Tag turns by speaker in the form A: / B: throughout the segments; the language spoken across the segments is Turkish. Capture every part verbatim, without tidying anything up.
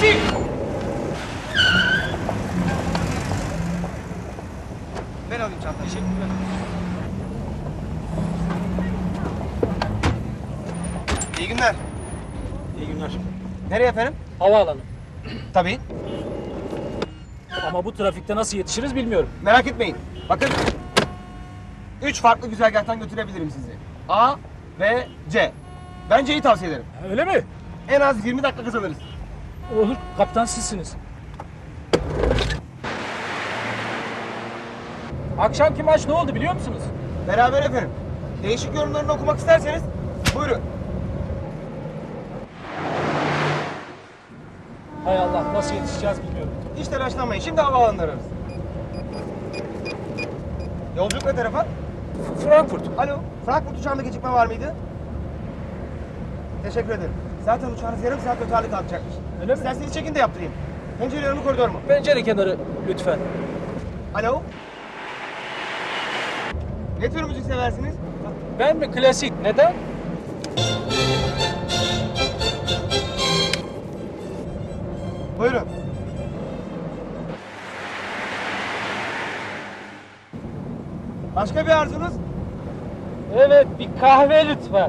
A: Klasik!
B: Ben alayım çantayı.
A: Teşekkürler.
B: İyi günler.
A: İyi günler.
B: Nereye efendim?
A: Havaalanı.
B: Tabii.
A: Ama bu trafikte nasıl yetişiriz bilmiyorum.
B: Merak etmeyin. Bakın. Üç farklı güzergahtan götürebilirim sizi. A, B, C. Ben C'yi tavsiye ederim.
A: Öyle mi?
B: En az yirmi dakika kazanırız.
A: Olur. Kaptan sizsiniz. Akşamki maç ne oldu biliyor musunuz?
B: Beraber efendim. Değişik yorumlarını okumak isterseniz buyurun.
A: Hay Allah, nasıl yetişeceğiz bilmiyorum.
B: Hiç telaşlanmayın. Şimdi havaalanına ararız. Yolculuk ne tarafa?
A: Frankfurt.
B: Alo. Frankfurt uçağında gecikme var mıydı? Teşekkür ederim. Zaten uçağınız yarım saat öterli kalkacakmış.
A: Öyle mi?
B: İsterseniz check-in de yaptırayım. Pencere önü koridor mu?
A: Pencere kenarı lütfen.
B: Alo. Ne tür müzik seversiniz?
A: Ben mi klasik? Neden?
B: Buyurun. Başka bir arzunuz?
A: Evet, bir kahve lütfen.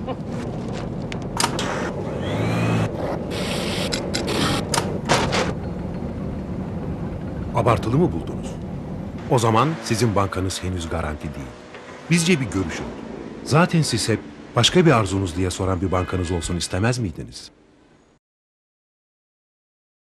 C: Abartılı mı buldunuz? O zaman sizin bankanız henüz garanti değil. Bizce bir görüşün. Zaten siz hep başka bir arzunuz diye soran bir bankanız olsun istemez miydiniz?